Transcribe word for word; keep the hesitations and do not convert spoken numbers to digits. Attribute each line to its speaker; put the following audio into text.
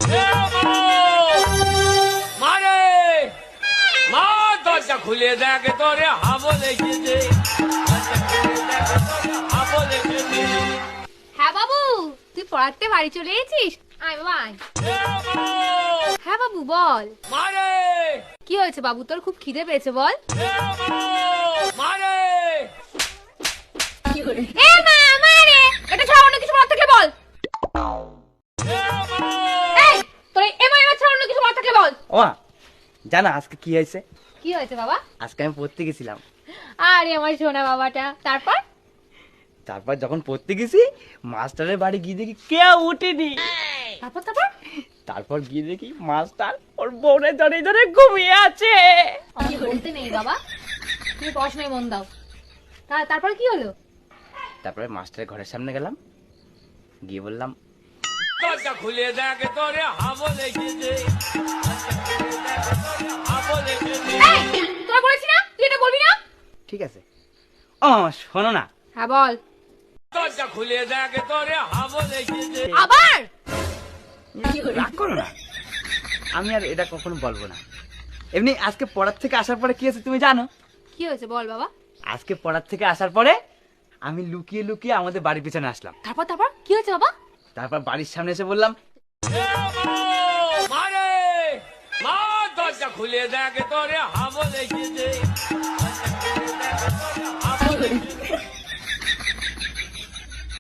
Speaker 1: মারে মা দরজা খুলে দেখে তোরে হাবো লেগেছে।
Speaker 2: হ্যাঁ বাবু, তুই পড়াতে বাড়ি চলে এসেছিস? আয় বাবা আয়। হ্যাঁ বাবু বল।
Speaker 1: মারে
Speaker 2: কি হয়েছে বাবু, তোর খুব খিদে পেয়েছে বল।
Speaker 1: মারে
Speaker 2: এ মা মারে, এটা ছাড়া অন্য কিছু বলার থাকলে বল। এই তোর এ মা এমা ছাড়া অন্য কিছু বলার থাকলে বল।
Speaker 3: ও মা, জানো আজকে কি হয়েছে?
Speaker 2: কি হয়েছে বাবা?
Speaker 3: আজকে আমি পড়তে গেছিলাম।
Speaker 2: আরে আমার সোনা বাবাটা। তারপর
Speaker 3: তারপর যখন পড়তে গেছি, মাস্টারের বাড়ি গিয়ে দেখি কেউ উঠেনি।
Speaker 2: তারপর তারপর
Speaker 3: তারপর গিয়ে দেখি মাস্টার ওর বউরে ধরে ধরে ঘুমিয়ে আছে।
Speaker 2: আমি বলতে নেই বাবা, তুমি পড়াশোনায় মন দাও। তা- তারপর কি হলো?
Speaker 3: তারপরে মাস্টারের ঘরের সামনে গেলাম, গিয়ে বললাম
Speaker 1: দরজা খুলে দেখে তোরে হাবো লেগেছে। হাবো লেগেছে।
Speaker 2: এই তোরা বলেছি না তুই এটা বলবি না।
Speaker 3: ঠিক আছে। ও মামা শোনো না।
Speaker 2: হ্যাঁ বল।
Speaker 1: দরজা খুলে দেখে তোরে হাবো লেগেছে।
Speaker 2: আবার
Speaker 3: রাগ করো না, আমি আর এটা কখনো বলবো না। এমনি আজকে পড়ার থেকে আসার পরে কি হয়েছে তুমি জানো?
Speaker 2: কি হয়েছে বল বাবা।
Speaker 3: আজকে পড়ার থেকে আসার পরে আমি লুকিয়ে লুকিয়ে আমাদের বাড়ির পিছনে আসলাম।
Speaker 2: তারপর তারপর কি হয়েছে বাবা?
Speaker 3: তারপর বাড়ির সামনে এসে বললাম
Speaker 1: মারে মা দরজা খুলে দেখে তোরে হাবো লেগেছে। হাবো লেগেছে।